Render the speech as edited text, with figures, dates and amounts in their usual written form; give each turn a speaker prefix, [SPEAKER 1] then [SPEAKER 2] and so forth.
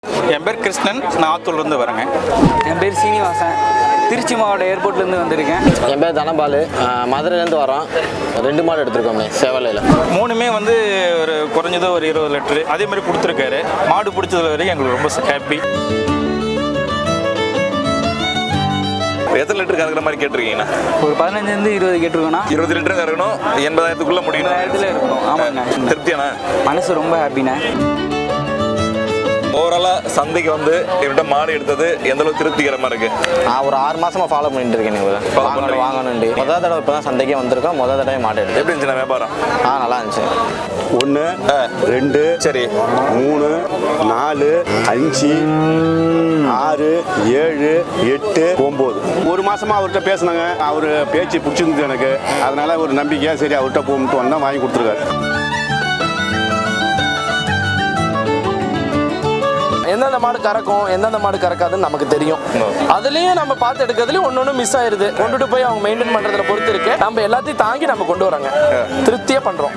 [SPEAKER 1] என் பேர் கிருஷ்ணன், நான் ஆத்தூர்லேருந்து வரேங்க.
[SPEAKER 2] என் பேர் சீனிவாசன், திருச்சி மாவட்ட ஏர்போர்ட்லேருந்து வந்திருக்கேன்.
[SPEAKER 3] என் பேர் தனபாலு, மதுரையிலேருந்து வரோம். 2 மாடு எடுத்துருக்கோமே சேவலையில்.
[SPEAKER 1] 3மே வந்து ஒரு குறைஞ்சது ஒரு 20 லிட்டரு அதே மாதிரி கொடுத்துருக்காரு. மாடு பிடிச்சதுல வரைக்கும் எங்களுக்கு ரொம்ப ஹாப்பி.
[SPEAKER 4] எத்தனை லிட்டர் கறக்கிற மாதிரி கேட்டிருக்கீங்கண்ணா?
[SPEAKER 2] ஒரு 15 20 கேட்டிருக்கோண்ணா.
[SPEAKER 4] 20 லிட்டர் கறக்கணும், 80,000க்குள்ள முடியும்.
[SPEAKER 2] 80,000 இருக்கணும். ஆமாங்க.
[SPEAKER 4] திருப்தியாண்ணா?
[SPEAKER 2] மனசு ரொம்ப ஹாப்பிண்ணே.
[SPEAKER 4] ஓவராலாக சந்தைக்கு வந்து இவர்கிட்ட மாடு எடுத்தது எந்த அளவுக்கு திருப்திகரமாக இருக்கு?
[SPEAKER 3] நான் ஒரு 6 மாசமா ஃபாலோ பண்ணிட்டு இருக்கேன். வாங்கணுண்டு முதல் தடவை இப்போ தான் சந்தைக்கே வந்திருக்கோம். முதல் தடவை மாடு எடுத்து
[SPEAKER 4] எப்படி இருந்துச்சுண்ணா வியாபாரம்?
[SPEAKER 3] நல்லா இருந்துச்சு.
[SPEAKER 5] 1 2
[SPEAKER 4] சரி
[SPEAKER 5] 3 4 5 6 7 8 9 ஒரு மாசமா அவர்கிட்ட பேசினாங்க. அவர் பேச்சு பிடிச்சிருந்தது எனக்கு. அதனால ஒரு நம்பிக்கையா சரி அவர்கிட்ட போட்டு வந்தா வாங்கி கொடுத்துருக்காரு.
[SPEAKER 6] எந்தெந்த மாடு கறக்கும் எந்தெந்த மாடு கறக்காதுன்னு நமக்கு தெரியும். அதுலயும் நம்ம பார்த்து எடுக்கிறதுலயும் ஒன்னொன்னு மிஸ் ஆயிருது. கொண்டுட்டு போய் அவங்க மெயின்டைன் பண்றதுல பொறுத்து இருக்கு. நம்ம எல்லாத்தையும் தாங்கி நம்ம கொண்டு வராங்க, திருப்தியா பண்றோம்.